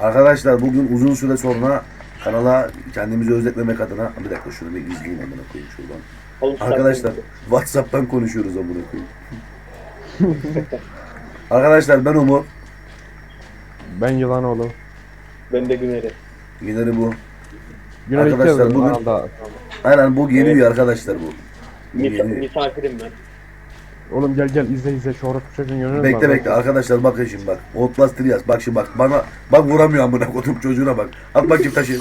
Arkadaşlar bugün uzun süre sonra kanala kendimizi özletmemek adına bir dakika şunu bir izleyeyim amına koyayım şuradan. Oğlum, Arkadaşlar WhatsApp'tan konuşuyoruz amına koyayım. Arkadaşlar ben Umut. Ben Yılanoğlu. Ben de Güner'i. Güneri bu. Güney Arkadaşlar iki bugün- Arada. Aynen bu yeni üye arkadaşlar bu. Misafirim ben. Oğlum gel izle şu orospu çocuğun yönünü Bekle bekle arkadaşlar bakın şimdi bak. Outlast yaz. Bak şimdi bak bana bak vuramıyor amına koydum çocuğuna bak. At bakayım taşı.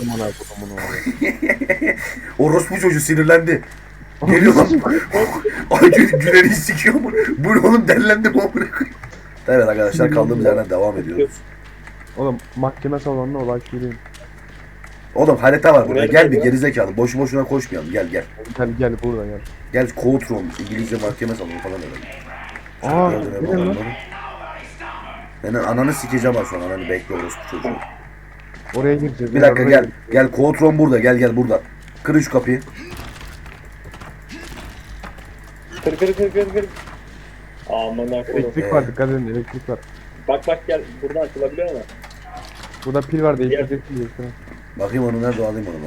Orospu çocuğu sinirlendi. Geliyor lan. Ay Güner'i sikiyor mu? Bu ne oğlum dellendi mi amına koyayım. Evet arkadaşlar kaldığımız yerden devam ediyoruz. Oğlum mahkeme salonuna olay söyleyeyim. Oğlum harita var burada. Nerede Gel bir bu? gerizekalı. Boşu boşuna koşmayalım. Gel. Gel burada gel. Gel courtroom. İngilizce mahkeme salonu falan öyle. Aa Gördün gelin mü? lan. Senin ananı sikeceğim az sonra. Ananı bekle orospu çocuğu. Oraya gireceğiz. Bir dakika oraya gel. Gel courtroom burada. Gel burada. Kırın şu kapıyı. Kır. Aman akıllı. Elektrik var dikkat edin elektrik var. Bak gel. Buradan açılabiliyor mu? Burada pil var Gel. değiştirecek. Bakayım onu nerede alayım onu ben.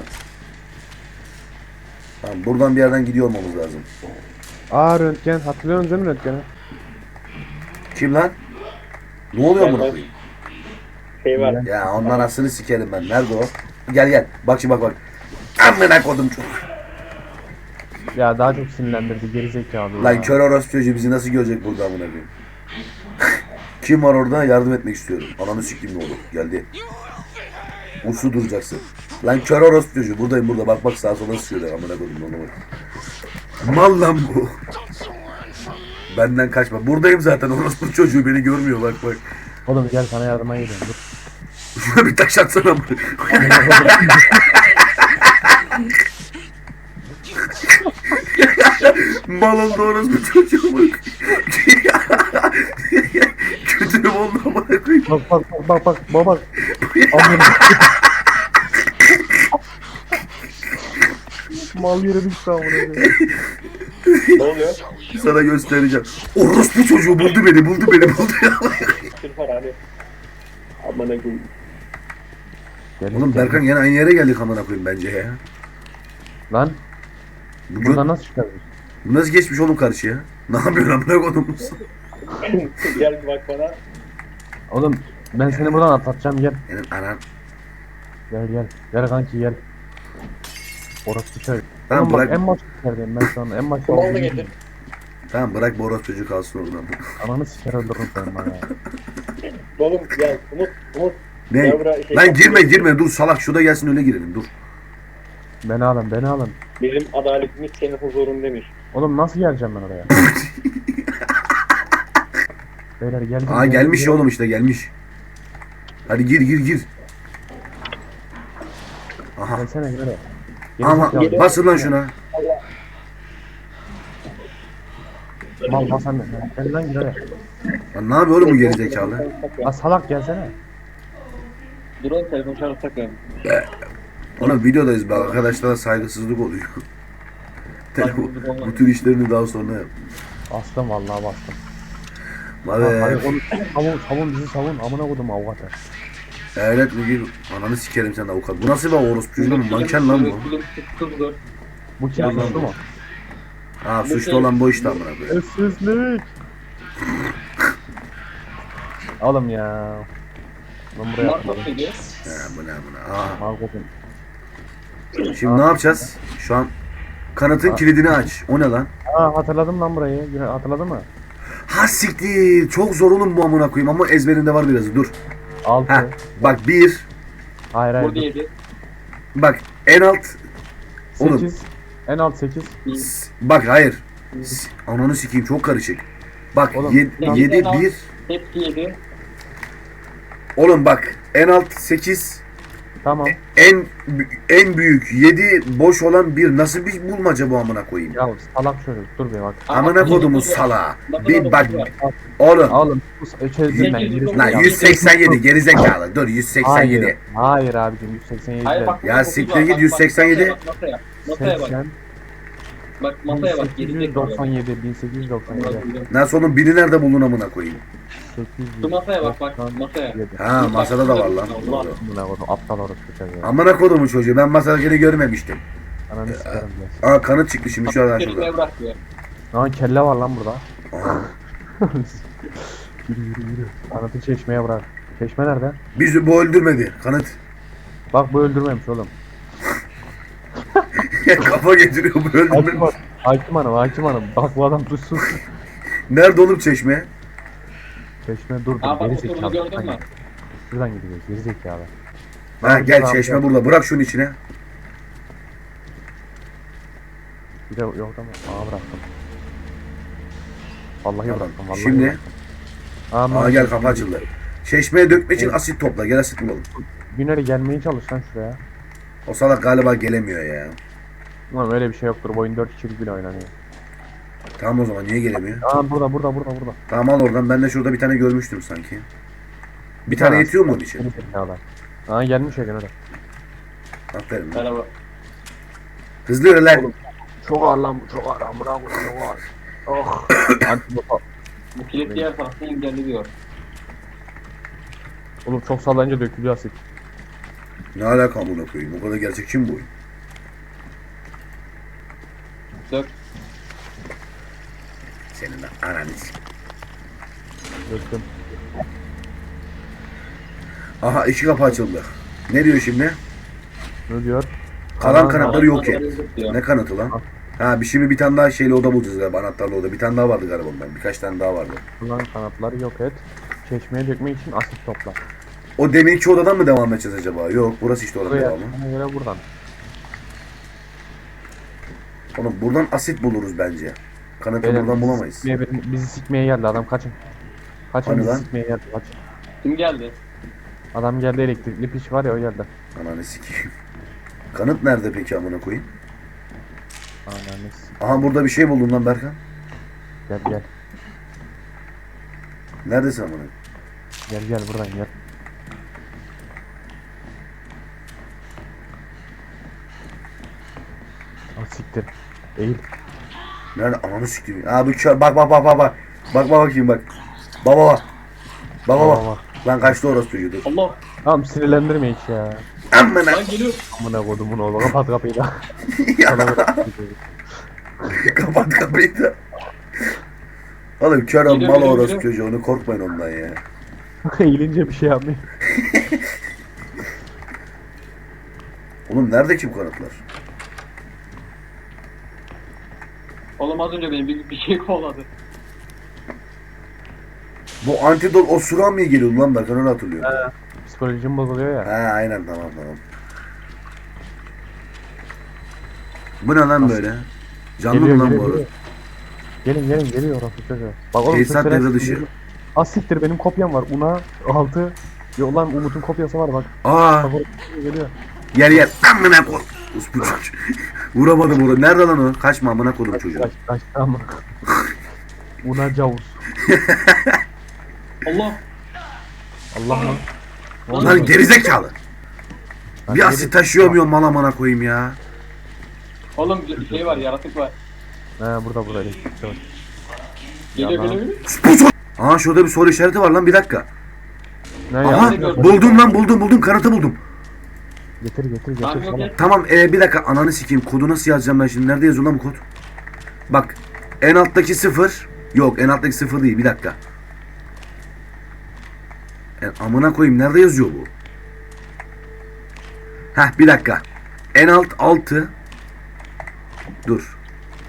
Tamam buradan bir yerden gidiyor olmamız lazım. Aa röntgen hatırlıyorsunuz değil mi röntgeni? Kim lan? Ne oluyor Ben- buna ben- koyayım? Şey var. Ya ondan aslını sikerim ben. Nerede o? Gel. Bak şimdi bak. Amına kodum çok. Ya daha çok sinirlendirdi gerizekalı. Lan ya. kör orospu çocuğu bizi nasıl görecek burada amına koyayım? Kim var orada? Yardım etmek istiyorum. Ananı sikeyim ne olur. Geldi. Uslu duracaksın. Lan kör orospu çocuğu. Buradayım burada. Bak sağa sola sıkıyor. Amına koydum ona bak. Mal lan bu. Benden kaçma. Buradayım zaten. Orospu çocuğu beni görmüyor. Bak. Oğlum gel sana yardıma geliyorum. Dur. Şuna bir taş atsana amına. Malın doğrusu çocuğu bak. Kötü oldu amına koyayım. Bak baba. Aman. Mal yere düştü amına koyayım. Ne oluyor? Sana göstereceğim. Orospu çocuğu buldu beni. Sırf var abi. Aman akıllı. Oğlum Berkan yine aynı yere geldik amına koyayım bence ya. Lan Bu, buradan nasıl çıkarız? bu nasıl geçmiş oğlum karşıya? Ne yapıyorsun amına koydum? Gel bir bak bana. Oğlum ben seni buradan atlatacağım gel. Benim anan. Gel kanki gel. Orası çay. Tamam, Oğlum bak bırak. en başta yerdeyim ben şu an en başta. Kumandı getir. Tamam bırak bu orospu çocuğu kalsın oradan. Ananı siker öldürürüm seni bana ya. Oğlum gel. Umut. Ne? Ya bura- şey- Lan girme dur salak şurada gelsin öyle girelim dur. Beni alın. Benim adaletimiz senin huzurun demiş. Oğlum nasıl geleceğim ben oraya? Beyler geldim. Aa gelmiş ya oğlum işte gelmiş. Hadi gir. Aha. Gelsene gel oraya. Ama Gerizekalı. basın lan şuna. Mal bas anne. Gel lan gel oraya. Lan ne yapıyor oğlum bu gerizekalı? Lan salak gelsene. Dur oğlum telefon çağırsak ya. Ona videodayız bak arkadaşlara saygısızlık oluyor. Telefon, bu tür işlerini daha sonra yap. Bastım vallahi bastım. Abi Hadi oğlum savun bizi savun. Amına koydum avukatı. eyalet müdür ananı sikerim sen avukat. Bu nasıl bir orospu çocuğu mu? Manken lan bu. Bu kim Ya suçlu lan. mu? Ha suçlu olan bu işte amına koyayım. Sessizlik. Oğlum ya. Ben buraya atladım. Ha buna. Aha. Mal koydum. Şimdi ne yapacağız? Şu an kanatın kilidini aç. O ne lan? Aa hatırladım lan burayı. Hatırladın mı? Ha siktir. Çok zor oğlum bu amına koyayım ama ezberinde var biraz. Dur. 6. Ha bak 1. Hayır. Burada 7. Bak en alt. Oğlum. 8. En alt 8. Bak hayır. Ananı sikeyim çok karışık. Bak Oğlum, 7 en alt- 1. Hepsi 7. Oğlum bak en alt 8. Tamam. En büyük 7 boş olan bir nasıl bir bulmaca bu amına koyayım. Ya salak çocuk dur bir bak. Amına kodumu sala. Bir bak oğlum. Oğlum bu çözdüm ben. gerisi Lan ya. 187 gerizekalı. Dur 187. Hayır abicim 187. Hayır bak. Ya siktir git 187. Masaya bak. 80. Bak masaya bak. Gerizekalı. 1897, 1897, Nasıl oğlum biri nerede buldun amına koyayım? 800. Şu masaya bak bak masaya. Ha masada da var lan. Allah. Doğru. Buna koydum, aptal orası çocuğu. Amına kodumun çocuğu ben masadakini görmemiştim. Ananı sikerim ya. Aa kanıt çıktı şimdi şu an şurada. Çekmeye bırak ya. Lan kelle var lan burada. Aha. Yürü yürü yürü. Anlatı çeşmeye bırak. Çeşme nerede? Bizi bu öldürmedi. Kanıt. Bak bu öldürmemiş oğlum. Kafa getiriyor bu Hakim öldürmedi. hanım, hakim hanım, hakim hanım. Bak bu adam tuzsuz. Nerede oğlum çeşme? Çeşme dur Aa dur. bak Geri oturunu zekalı. gördün mü? Şuradan gideceğiz. Geri zekalı. Ha gel çeşme burada. Bırak şunun içine. Bir de yok ama. Aa bıraktım. Vallahi Tamam. bıraktım. Vallahi Şimdi. bıraktım. Aa gel kapı açıldı. Çeşmeye dökmek için asit topla. Gel asit bulalım. Güneri gelmeye çalış lan şuraya. O salak galiba gelemiyor ya. Ulan öyle bir şey yoktur. Bu oyun 4 kişilik bile oynanıyor. Tamam o zaman niye gelemiyor? Aa burada. Tamam al oradan. Ben de şurada bir tane görmüştüm sanki. Bir tane yetiyor mu onun için? Seni zekalı. Aa gelmiş ya Güneri. Aferin lan. Merhaba. Hızlı yürü lan. Çok ağır lan bu. Çok ağır lan. Bravo. Çok ağır. Oh. Antibota. Bu kilit diğer tarafta engelliyor. Oğlum çok sallayınca dökülüyor asit. Ne alaka amına koyayım? O kadar gerçekçi mi bu oyun? Dök. Senin de ananı s- Döktüm. Aha iki kapı açıldı. Ne diyor şimdi? Ne diyor? Kalan Aa, kanatları yok et. Diyor. Ne kanıtı lan? Ha şimdi bir tane daha şeyli oda bulacağız galiba anahtarlı oda. Bir tane daha vardı galiba ondan. Birkaç tane daha vardı. Kullan kanatları yok et. Çeşmeye dökmek için asit topla. O deminki odadan mı devam edeceğiz acaba? Yok burası işte oranın Buraya devamı. bana göre buradan. Oğlum buradan asit buluruz bence. Kanıtı Beyler, buradan bizi bulamayız. bizi sikmeye geldi adam kaçın. Kaçın Hani bizi lan? sikmeye geldi kaçın. Kim geldi? Adam geldi elektrikli piç var ya o geldi. Ananı sikeyim. Kanıt nerede peki amına koyayım? Ananı s- Aha burada bir şey buldum lan Berkan. Gel gel. Neredesin amına? Gel buradan gel. Ah siktir. Eğil. Nerede? Ananı sikeyim. Aa bu kör. Bak. Bak bakayım bak. Baba. Baba. Lan kaçtı orası çocuğu dur. Allah. Tamam sinirlendirme hiç ya. Amına. Lan geliyor. Amına kodumun oğlu kapat kapıyı da. Ya, Sana bırak. kapat kapıyı da. Oğlum kör Geliyor, mal geliyor, orası geliyor. çocuğu. Onu korkmayın ondan ya. Eğilince bir şey yapmayın. Oğlum nerede kim kanıtlar? Oğlum az önce beni bir şey kovladı. Bu antidot osuran mı geliyordu lan Berkan öyle hatırlıyorum. Psikolojim bozuluyor ya. Ha aynen tamam. Bu ne lan böyle? Canlı mı lan bu arada? Gelin geliyor orası çocuğu. Bak oğlum Tesisat sesler- devre dışı. Asiktir benim kopyam var. Una 6. Yok lan Umut'un kopyası var bak. Aa Bak orası geliyor. yer. Amına koy. Uspu çocuğu. Vuramadım orada. Nerede lan o? Kaçma amına koydum çocuğu. Kaç tamam. Una Cavus. Allah. Allah lan. Lan gerizekalı. Lan Bir asit taşıyor muyum mal amına koyayım ya? Oğlum bir şey var yaratık var. He burada elektrikte var. Geliyor Yalan. geliyor. Uspu çocuğu. Aa şurada bir soru işareti var lan bir dakika. Ne Aha ya? gördüm. buldum kanıtı buldum. Getir Tamam yok sana. ya. Tamam bir dakika ananı sikeyim kodu nasıl yazacağım ben şimdi nerede yazıyor lan bu kod? Bak en alttaki 0 yok en alttaki 0 değil bir dakika. Amına koyayım nerede yazıyor bu? Heh bir dakika. En alt 6 dur.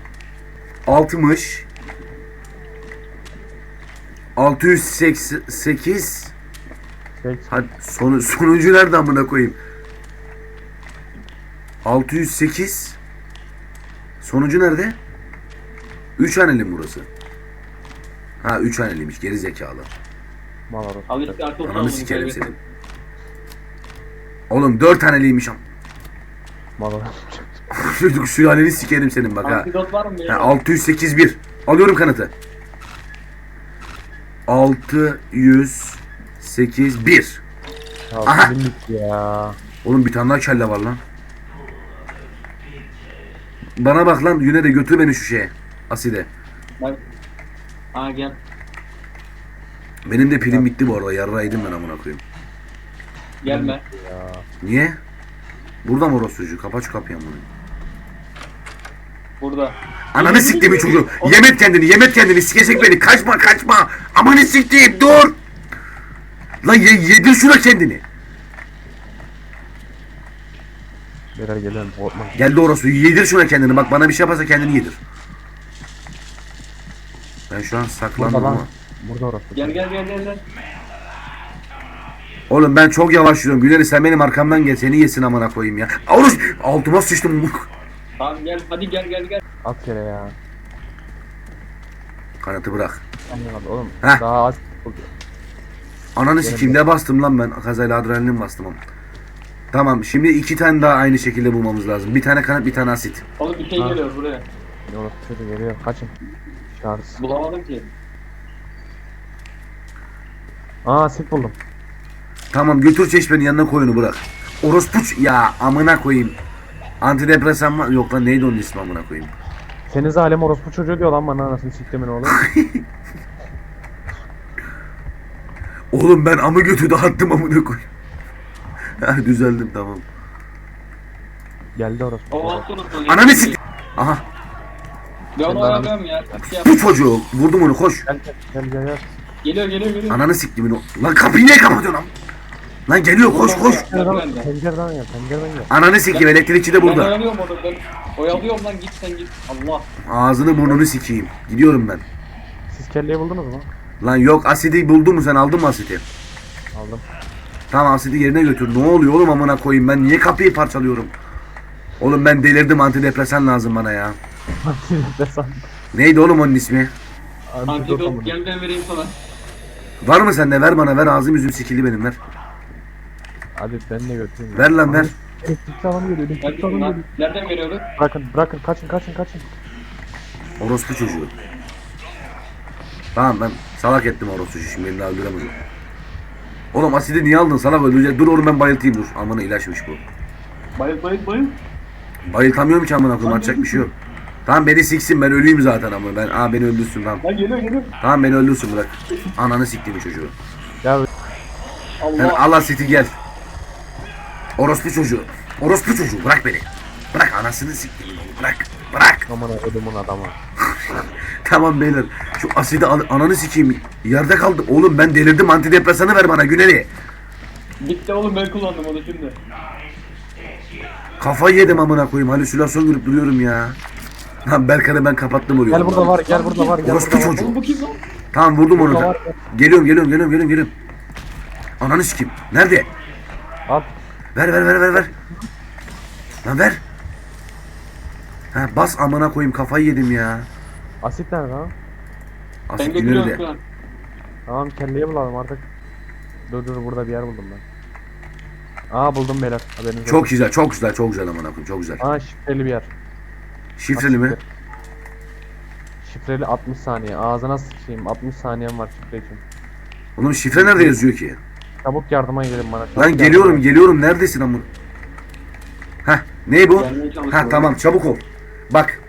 60 688 hadi sonucu nerede amına koyayım? 608 sonucu nerede? 3 haneli mi burası? Ha 3 haneliymiş geri zekalı. Mal orası. Al işte akıl Ananı sağlığını sikerim kaybettim. senin. Oğlum 4 haneliymiş am. Mal orası. Çocuk sülaleni sikerim senin bak ha. Antidot var mı? Ha 608 1. Alıyorum kanıtı. 608 1. Ya Aha. film bitti ya. Oğlum bir tane daha kelle var lan. Bana bak lan Yüne de götür beni şu şeye. Aside. Bak. Aa gel. Benim de pilim bitti bu arada. Yarraydım ben amına koyayım. Gelme. Ya. Niye? Burada mı orospu çocuğu? Kapa şu kapıyı amına. Burada. Ananı siktiğimi çocuğu. Yemet kendini. Sikecek beni. Kaçma. Amanı siktiğim dur. Lan yedir şuna kendini. Beyler geliyorum. Korkma. Geldi orası. Yedir şuna kendini. Bak bana bir şey yaparsa kendini yedir. Ben şu an saklandım Burada lan. ama. Burada orası. Gel. Oğlum ben çok yavaş yürüyorum. Güleri sen benim arkamdan gel. Seni yesin amına koyayım ya. Oruç altıma sıçtım. Tamam gel. Hadi gel. At yere ya. Kanatı bırak. Anlamadım oğlum. Heh. Daha az. Ananı sikeyim ne bastım lan ben. Kazayla adrenalin bastım ama. Tamam şimdi 2 tane daha aynı şekilde bulmamız lazım. Bir tane kanat bir tane asit. Oğlum bir şey Ha. geliyor buraya. Orası şöyle geliyor. Kaçın. Şarj. Bulamadım ki. Aa sit buldum. Tamam götür çeşmenin yanına koy onu bırak. Orospuç ya amına koyayım. Antidepresan var. Yok lan neydi onun ismi amına koyayım. Senin zalim orospu çocuğu diyor lan bana anasını siktimin oğlum. Oğlum ben amı götü dağıttım amına koyayım. Ha düzeldim tamam. Geldi orospu O çocuğu. altı unutma. Ananı sik. Aha Ben onu Sen oyalıyorum ya. Bir şey yap. bu çocuğu vurdum onu koş. Gel. Geliyor. Ananı siktimin o. Lan kapıyı niye kapatıyorsun am? Lan geliyor koş. Ben de. Pencereden gel. Ananı sikeyim elektrikçi de Ben burada. oyalıyorum onu. Ben oyalıyorum lan git sen git. Allah. Ağzını burnunu sikeyim. Gidiyorum ben. Siz kelleyi buldunuz mu? Lan yok asidi buldun mu sen aldın mı asidi? Aldım. Tamam asidi yerine götür. Ne oluyor oğlum amına koyayım ben niye kapıyı parçalıyorum? Oğlum ben delirdim antidepresan lazım bana ya. Antidepresan. Neydi oğlum onun ismi? Antidot gel ben vereyim sana. Var mı sende ver bana ver ağzım yüzüm sikildi benim ver. Hadi ben de götüreyim. Ver lan ver. Elektrikli adam geliyor. Elektrikli Neredesin adam lan? geliyor. Nereden veriyordu? Bırakın. Kaçın. Orospu çocuğu. Tamam ben salak ettim orospu çocuğu şimdi beni daha öldüremez. Oğlum asidi niye aldın salak öldürecek. Dur oğlum ben bayıltayım dur. Amına ilaçmış bu. Bayıl. Bayıltamıyorum ki amına koyayım atacak bir şey yok. Tamam beni siksin ben ölüyüm zaten ama ben beni öldürsün tamam. Lan geliyor. Tamam beni öldürsün bırak. Ananı siktiğimi çocuğu. Ya Ben Allah. Allah siti gel. Orospu çocuğu bırak beni. Bırak anasını siktiğimi bırak. aman ödümün adamı. Tamam beyler şu asidi ananı sikeyim. Yerde kaldı. Oğlum ben delirdim antidepresanı ver bana Güneri. Bitti oğlum ben kullandım onu şimdi. Kafayı yedim amına koyayım halüsinasyon görüp duruyorum ya. Lan Berkan'ı ben kapattım oraya. Gel burada var. Orospu çocuğu. Oğlum bu kim lan? Tamam vurdum onu Burada da. var. Geliyorum. Ananı sikeyim. Nerede? Al. Ver. Lan ver. Ha bas amına koyayım kafayı yedim ya. Asit nerede lan? Ben Asit götürüyorum Güneri şu de. an. Tamam kelleyi bulalım artık. Dur burada bir yer buldum ben. Aa buldum beyler. Haberiniz olsun. Çok güzel amına koyayım çok güzel. Aa şifreli bir yer. Şifreli mi? Şifreli 60 saniye. Ağzına sıçayım. 60 saniyem var şifre için. Oğlum şifre nerede yazıyor ki? Çabuk yardıma gelin bana. Çabuk Lan yardıma. geliyorum neredesin amına? Heh ne bu? Gelmeye çalışıyorum. Ha tamam çabuk ol. Bak.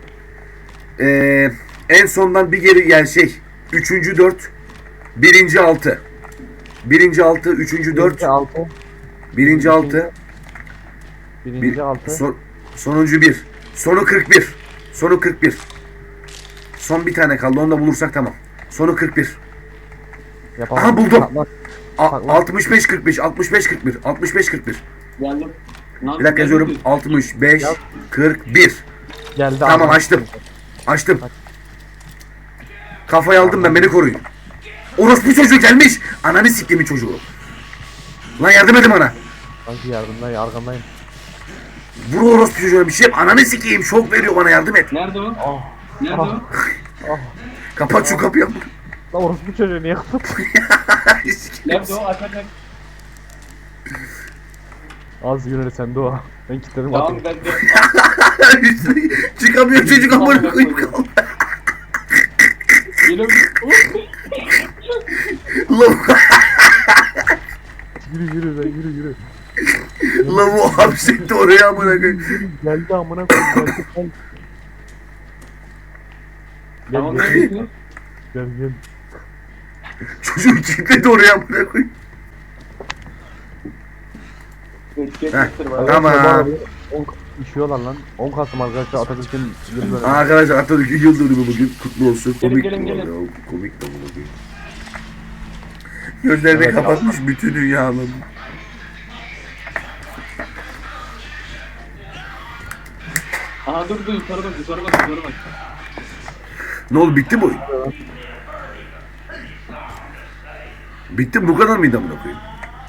En sondan bir geri yani şey. 3. 4. 1. 6. 1. 6. 3. 4. 6. 1. 6. Birinci 6. Sonuncu 1. Sonu 41. Sonu 41. Son bir tane kaldı. Onu da bulursak tamam. Sonu 41. Yapalım. Aha, buldum. Bak, 65 45 65 41 65 41. Geldim. Lan, Bir dakika yazıyorum. geldim. 65 Yaz. 41. geldi. Tamam abi. Açtım. Kafayı aldım ben beni koruyun. Orospu çocuğu gelmiş. Ananı siktiğimin çocuğu. Lan yardım edin bana. Sanki yardımdayım, arkamdayım. Vur orospu çocuğuna bir şey yap. Ananı sikeyim şok veriyor bana yardım et. Nerede o? Ah. Nerede o? Ah. Kapat şu kapıyı. Lan orospu çocuğu niye kapattın? Nerede o? Aç. Az yürü sen de o. Ben kilitledim Tamam atayım. ben de. Çıkamıyor çocuk amına koyayım kaldı. Geliyorum. Lavuk. Yürü. Lavuğu hapsetti oraya amına koyayım. Geldi amına koyayım. Geldi. Gel Tamam gel. neredesiniz? Gel gel. Çocuğu kilitledi oraya amına koyayım. Geç Heh, getir bana. tamam. İşiyorlar lan. 10 Kasım arkadaşlar Atatürk'ün yıl dönümü. Arkadaşlar Atatürk'ün yıl dönümü bugün kutlu olsun. Gelin, Komik gelin, bu gelin. arada, o komik de bunu koyayım. Gözlerini Evet, kapatmış bütün dünyanın. Aha dur yukarı bak yukarı bak yukarı bak. Ne oldu, bitti mi oyun? Bitti mi, bu kadar mıydı amına koyayım?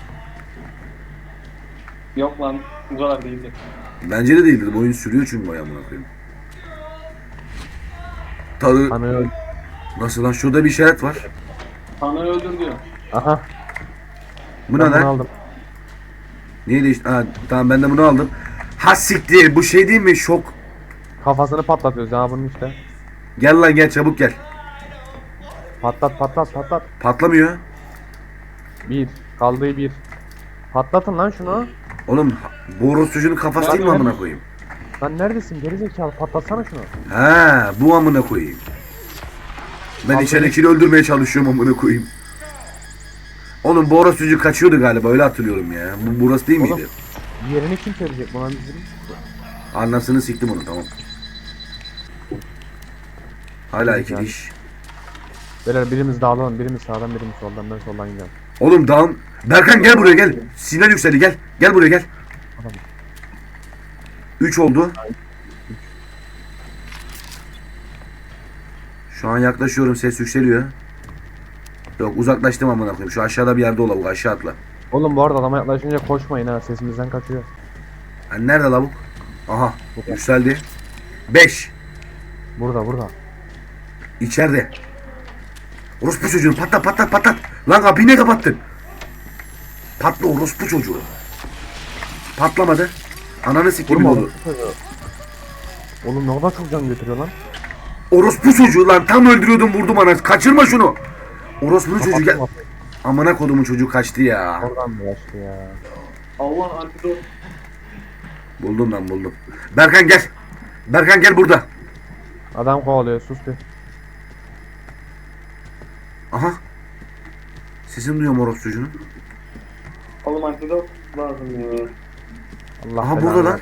Yok lan bu kadar değildi. Bence de değildi. Bu oyun sürüyor çünkü bayağı amına koyayım. Tadı Hani nasıl lan, şurada bir işaret var. Tanrı öldür diyor. aha. Bu ne Ben bunu lan? aldım. Niye değişti? Ha, tamam ben de bunu aldım. Ha siktir, bu şey değil mi, şok. Kafasını patlatıyoruz ya bunun işte. Gel lan gel, çabuk gel. Patlat patlat patlat. Patlamıyor. Bir. Kaldığı bir. Patlatın lan şunu. Oğlum bu orospucunun kafası değil mi amına koyayım? Lan neredesin gerizekalı patlatsana şunu. Ha, bu amına koyayım. Ben Abi içeridekini öldürmeye çalışıyorum amına koyayım. Oğlum bu orospucu kaçıyordu galiba, öyle hatırlıyorum ya. Bu burası değil Oğlum. miydi? Yerini kim söyleyecek buna bizim? Anasını siktim onu, tamam. Hala Güzel. ikili iş. Beyler birimiz dağılalım, birimiz sağdan, birimiz soldan. Ben soldan gideceğim. Oğlum dağın. Berkan gel buraya gel. Sinan yükseldi, gel. Gel buraya gel. Tamam. 3 oldu. Şu an yaklaşıyorum, ses yükseliyor. Yok, uzaklaştım amına koyayım. Şu aşağıda bir yerde ola, bu aşağı atla. Oğlum bu arada adama yaklaşınca koşmayın ha, sesimizden kaçıyor. Hani nerede lavuk? Aha, Burada. yükseldi. 5. Burada burada. İçeride. Orospu çocuğu, patlat patlat patlat. Lan kapıyı ne kapattın? Patla orospu çocuğu. Patlamadı. Ananı siktim Vurma oldu. oğlum. Oğlum ne kadar çok can götürüyor lan. Orospu çocuğu lan, tam öldürüyordum, vurdum ana. Kaçırma şunu. Orospu çocuğu gel. Kapattım. Amına kodumun çocuğu kaçtı ya. Oradan mı yaşlı ya? Allah antidot. Buldum lan, buldum. Berkan gel. Berkan gel burada. Adam kovalıyor, sus bir. Aha. Sesini duyuyorum orospu çocuğunun. Oğlum antidot lazım ya. Allah Aha, belanı burada lan. versin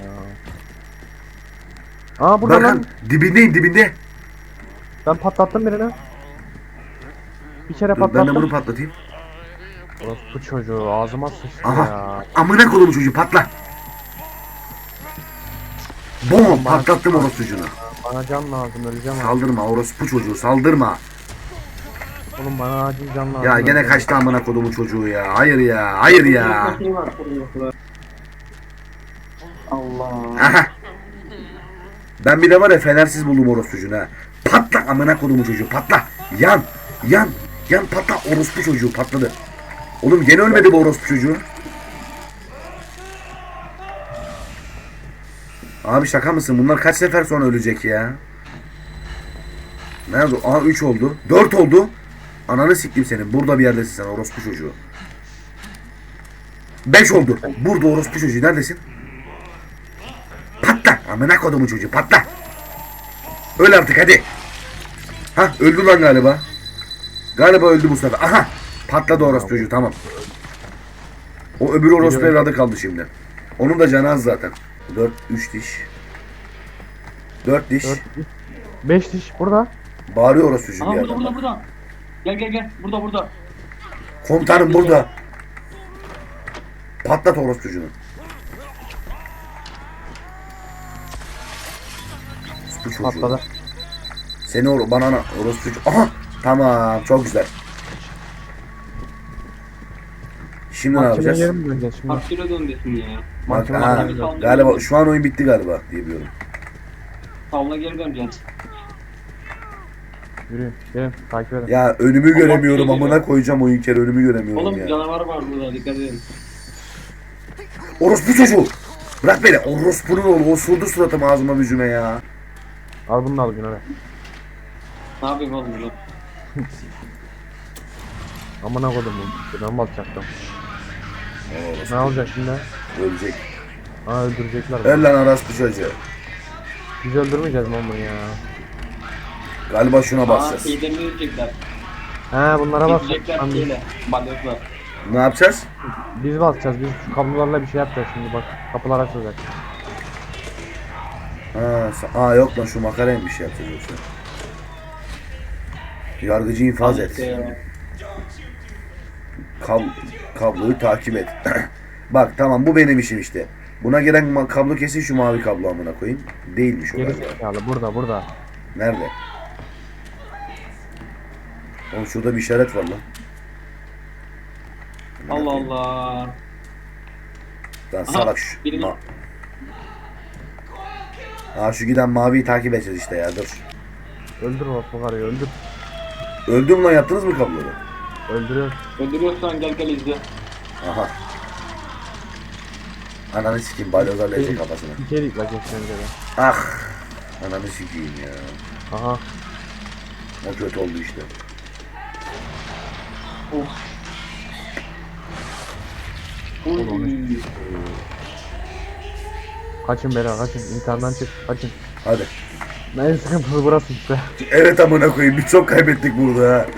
ya. Aa burada Berkan lan. dibindeyim, dibinde. Ben patlattım birini. Bir kere Dur, ben de patlattım. bunu patlatayım. Bu çocuğu ağzıma sıçtı Aha. ya. Amına kodumun çocuğu, patla. Bom, patlattım orospu çocuğunu. Bana can lazım, öleceğim abi. Saldırma orospu çocuğu, saldırma. Oğlum bana acil can lazım. Ya gene öleceğim. kaçtı amına kodumun çocuğu ya. Hayır ya, hayır ya. Şey var, koruyucular. Allah. Aha. Ben bir de var ya, fenersiz buldum orospucunu ha. Patla amına kodumun çocuğu, patla. Yan, yan, yan patla, orospu çocuğu patladı. Oğlum gene ölmedi bu orospu çocuğu. Abi şaka mısın? Bunlar kaç sefer sonra ölecek ya? Nerede? Aha 3 oldu. 4 oldu. Ananı siktim senin. Burada bir yerdesin sen orospu çocuğu. 5 oldu. Burada orospu çocuğu. Neredesin? Patla. Amına kodumun çocuğu. Patla. Öl artık hadi. Ha öldü lan galiba. Galiba öldü bu sefer. Aha. Patladı orospu çocuğu, tamam. O öbür orospu evladı kaldı şimdi. Onun da canı az zaten. 4 3 diş. 4 diş. 5 diş burada. Bağırıyor orospu çocuğu Aha bir burada yerden. burada burada. Gel gel gel. Burada burada. Komutanım burada. Patlat orospu çocuğunu. Orospu çocuğu. Patladı. Seni bana orospu çocuğu. Aha. Tamam, çok güzel. Şimdi ne Mahkemeye yapacağız? geri mi döneceğiz şimdi? Kapsüle döndesin ya. Bak, Mahkeme ha, mahkeme. galiba şu an oyun bitti galiba diye biliyorum. Tavla geri döneceksin. Yürüyün, gelin, takip edin. Ya önümü göremiyorum, Allah amına koyacağım oyun kere, önümü göremiyorum Oğlum ya. canavar var burada dikkat edin. Orospu çocuğu. Bırak beni. Orospu'nun oğlu. Osurdu suratım ağzıma yüzüme ya. Al bunu da al Güner'e. Ne yapayım oğlum burada? Amına koydum bunu. Ben mi atacaktım? Ne olacak şimdi? Ölecek. Aa öldürecekler. Öl lan orospu çocuğu. Biz öldürmeyeceğiz mi onu ya? Galiba şuna Aa basacağız. şeylerini yiyecekler. He bunlara bas. Yiyecekler Tamam, şeyle. Balyozlar. Ne yapacağız? biz basacağız. Biz şu kablolarla bir şey yapacağız şimdi bak. Kapılar açılacak. Aa yok lan şu makaraya bir şey yapacağız yoksa. Yargıcı infaz et. Kabloyu takip et. Bak tamam bu benim işim işte. Buna gelen kablo kesin şu mavi kablo amına koyayım. Değilmiş o Geri galiba. zekalı burada. Nerede? Oğlum şurada bir işaret var lan. Allah Allah. Lan salak şu. birini- Şu giden maviyi takip edeceğiz işte ya dur. Öldür bak bu karıyı öldür. Öldüm lan yaptınız mı kabloyu? Öldürüyor. Öldürüyorsan gel izle. Aha. Ananı sikeyim balyozlarla ezecek kafasına. İçerik bak geçmemize de. Ah. Ananı sikeyim ya. Aha. O kötü oldu işte. Of. Uy. Kaçın beyler kaçın. İmtihandan çık. Kaçın. Hadi. En sıkıntılı burası işte. Evet amına koyayım biz çok kaybettik burada ha.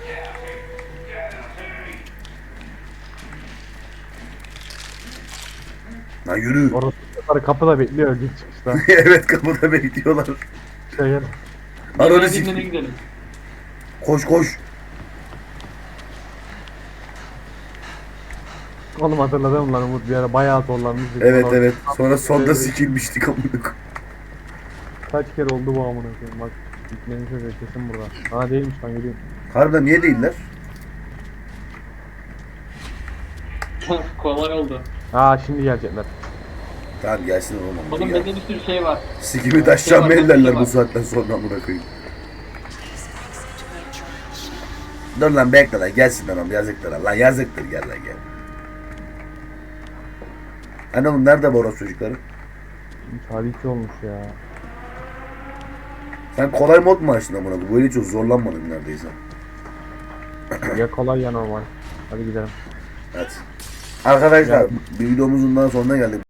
Lan yürü. Orası kapıda bekliyor git çıkışta. Evet kapıda bekliyorlar. İşte gel. Ananı Dinlene sikeyim. gidelim. Koş koş. Oğlum hatırladım lan Umut bir ara bayağı zorlanmıştık. Evet Sonra- evet. Sonra sonda sikilmiştik amına koyayım. Kaç kere oldu bu amına koyayım bak. Gitmenin sözü kesin burada. Ha değilmiş lan geliyorum. Harbiden niye değiller? Kolay oldu. Aa şimdi gelecekler. Tamam gelsin oğlum. Oğlum Ya. bende bir sürü şey var. Sikimi taşacağım Şey var, ellerler şey bu var. saatten sonra amına koyayım. Dur lan bekle lan gelsin lan oğlum yazıktır lan yazıktır gel lan gel. Hani oğlum nerede bu orası çocukları? Tabii olmuş ya. Sen kolay mod mu açtın amına koyayım? Böyle çok zorlanmadın neredeyse. Ya kolay ya normal. Hadi gidelim. Evet. Arkadaşlar bir videomuzun daha sonuna geldik.